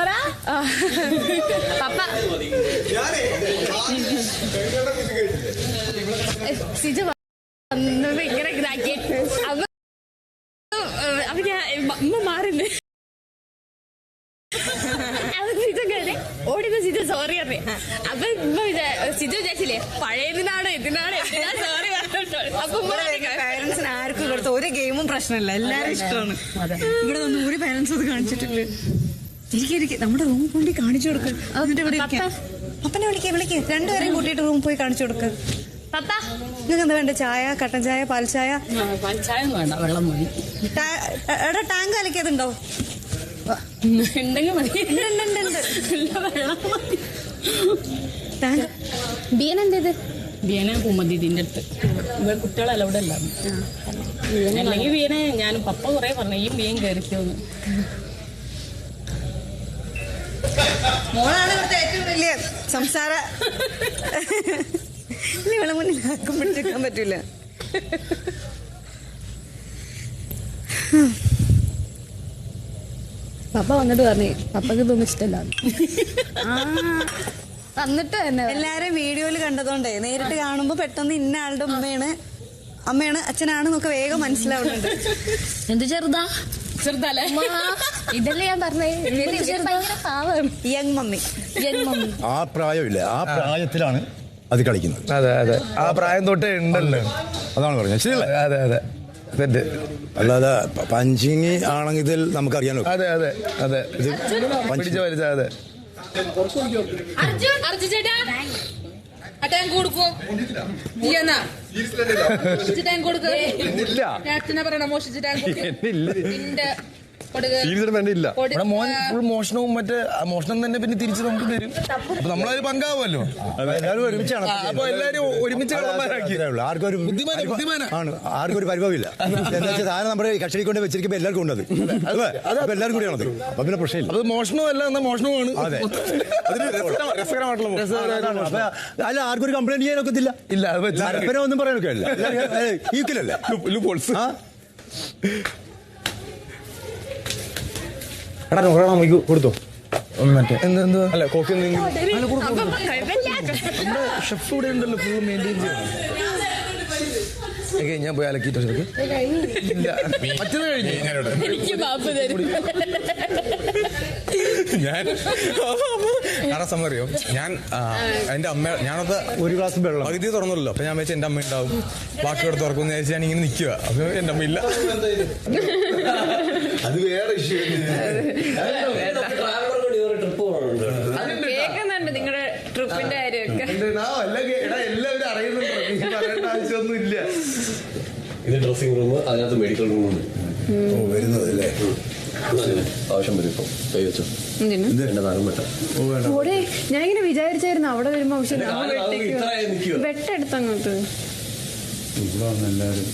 പപ്പ സിജ വന്നപ്പോ ഇങ്ങനെ ഇതാക്കി അപ്പൊ ഞാൻ അമ്മ മാറില്ലേ ഓടിന്ന് സിജ സോറി അറിയ അപ്പൊ സിജ വിചാരിച്ചില്ലേ പഴയതിനാണോ ഇതിനാണോ എന്തിനാ സോറി അപ്പൊ പാരന്റ്സിന് ആർക്കും ഇവിടുത്തെ ഒരു ഗെയിമും പ്രശ്നമില്ല, എല്ലാരും ഇഷ്ടമാണ്. ഇവിടെ ഒന്നും ഒരു പാരന്റ്സ് അത് കാണിച്ചിട്ടില്ല. ഇരിക്കും നമ്മുടെ റൂമിൽ കൊണ്ട് കാണിച്ചു കൊടുക്കുക. അപ്പനെ വിളിക്കേ രണ്ടുപേരെയും കൂട്ടിയിട്ട് റൂമിൽ പോയി കാണിച്ചു കൊടുക്കുക. നിങ്ങൾക്ക് എന്താ വേണ്ട? ചായ, കട്ടൻ ചായ, പാൽ ചായ? പാൽച്ചായ വേണ്ട, വെള്ളം മതി. എടാ ടാങ്ക് അലക്കിയതുണ്ടോ? ബിയനെന്തേത്? ബിയനെ കുമ്മതിന്റെ അടുത്ത് ഇവിടെ കുട്ടികളെ അലൗഡ് അല്ല. അല്ലെങ്കിൽ ബിയനെ ഞാനും പപ്പ കുറെ പറഞ്ഞു ഈ ബിയൻ കയറിക്കോന്ന്. മോളാണ് ഇവിടുത്തെ ഏറ്റവും വലിയ സംസാര. ഇവളെ മുന്നിൽ ആർക്കും പിടിച്ചെടുക്കാൻ പറ്റൂല. പപ്പ വന്നിട്ട് പറഞ്ഞു പപ്പക്ക് ഇതൊന്നും ഇഷ്ടമല്ല. വന്നിട്ട് തന്നെ എല്ലാരും വീഡിയോയിൽ കണ്ടതുകൊണ്ടേ നേരിട്ട് കാണുമ്പോ പെട്ടെന്ന് ഇന്ന ആളുടെ അമ്മയാണ് അച്ഛനാണെന്നൊക്കെ വേഗം മനസ്സിലാവുന്നുണ്ട്. എന്ത് ചെറുതാ? ചെറുതല്ലേ ഇതല്ലേ ഞാൻ പറഞ്ഞേ. Young mummy. ആ പ്രായമില്ല, ആ പ്രായത്തിലാണ് അത് കളിക്കുന്നത്. അതെ അതെ, ആ പ്രായം തൊട്ടേ ഉണ്ടല്ലോ. അതാണ് പറഞ്ഞത്. ശരിയല്ലേ? അതെ അതെ, തെറ്റ്. അല്ലാതെ പഞ്ചിങ് ആണെങ്കിൽ ഇതിൽ നമുക്കറിയാലോ. അതെ അതെ അതെ, ഇത് പഠിച്ച വലിച്ച. അതെ ഫുൾ മോഷണവും മറ്റേ മോഷണം തന്നെ പിന്നെ തിരിച്ച് നമുക്ക് തരും. അപ്പൊ നമ്മളതിൽ പങ്കാവുമല്ലോ. എല്ലാവരും ഒരുമിച്ചാണ്. അപ്പൊ എല്ലാരും ഒരുമിച്ച് ആർക്കും ഒരു പരിഭവമില്ല. എന്താ വെച്ചാൽ സാധനം നമ്മുടെ കക്ഷി കൊണ്ട് വെച്ചിരിക്കുമ്പോ എല്ലാവർക്കും ഉണ്ടത്. അപ്പൊ എല്ലാവരും കൂടിയാണത്. അപ്പൊ പിന്നെ പ്രശ്നമില്ല. അത് മോഷണമല്ല, എന്നാ മോഷണമാണ്. അതെ, രസകരമായിട്ടുള്ള. അല്ല, ആർക്കും ഒരു കംപ്ലൈന്റ് ചെയ്യാനൊക്കത്തില്ല. ഇല്ല, ഒന്നും പറയാനൊക്കെ അല്ല. ഈക്വലല്ലേ? എടാ നമുക്ക് കൊടുത്തോ മറ്റേ എന്തോ അല്ല കോഫി ഷെഫ് ഇവിടെ ഉണ്ടല്ലോ, ഫുള്ള് മെയിൻറ്റെയിൻ ചെയ്യാൻ. ഞാൻ പോയി അലക്കിട്ടോ ശരിക്കും. ഇല്ല, മറ്റത് കഴിഞ്ഞു. ഞാൻ സമറിയോ ഞാൻ എന്റെ അമ്മ ഞാനത് ഒരു ഗ്ലാസ് വെള്ളം പകുതി തുറന്നല്ലോ. അപ്പൊ ഞാൻ വെച്ചാൽ എന്റെ അമ്മ ഉണ്ടാവും, ബാക്കി ഇവിടെ തുറക്കുമെന്ന് വിചാരിച്ച് ഞാൻ ഇങ്ങനെ നിൽക്കുക. അപ്പൊ എന്റെ അമ്മ ഇല്ല. അത് വേറെ ഇഷ്യൂ. കേൾക്കുന്നുണ്ട് നിങ്ങളുടെ ട്രിപ്പിന്റെ കാര്യമൊക്കെ. എല്ലാവരും അറിയുന്നുണ്ട്, ആവശ്യമൊന്നും ഇല്ല. ഇത് ഡ്രസ്സിംഗ് റൂം, അതിനകത്ത് മെഡിക്കൽ റൂമുണ്ട്. വരുന്നത് അല്ലേ? ആവശ്യം വരും. ഇപ്പം കൈ വെച്ചോ. എന്റെ നാലും വെട്ട. ഞാൻ ഇങ്ങനെ വിചാരിച്ചായിരുന്നു അവിടെ വരുമ്പോ വെട്ടെടുത്തങ്ങോട്ട് എല്ലാവരും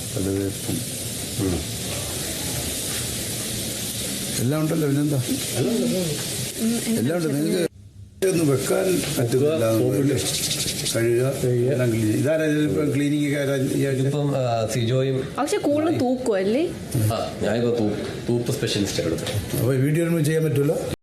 എല്ലാം ഉണ്ടല്ലോ. പിന്നെന്താ എല്ലാം ഉണ്ട്. നിങ്ങൾക്ക് ഒന്നും വെക്കാൻ പറ്റുന്നില്ല. കഴുകുക, ഇതാരാ ക്ലീനിങ്? ഇപ്പം സിജോയും. പക്ഷെ കൂടുതൽ തൂക്കും അല്ലേ? ഞാനിപ്പോ തൂപ്പ് സ്പെഷ്യലിസ്റ്റ് എടുത്തു. അപ്പൊ വീഡിയോ ചെയ്യാൻ പറ്റുമല്ലോ.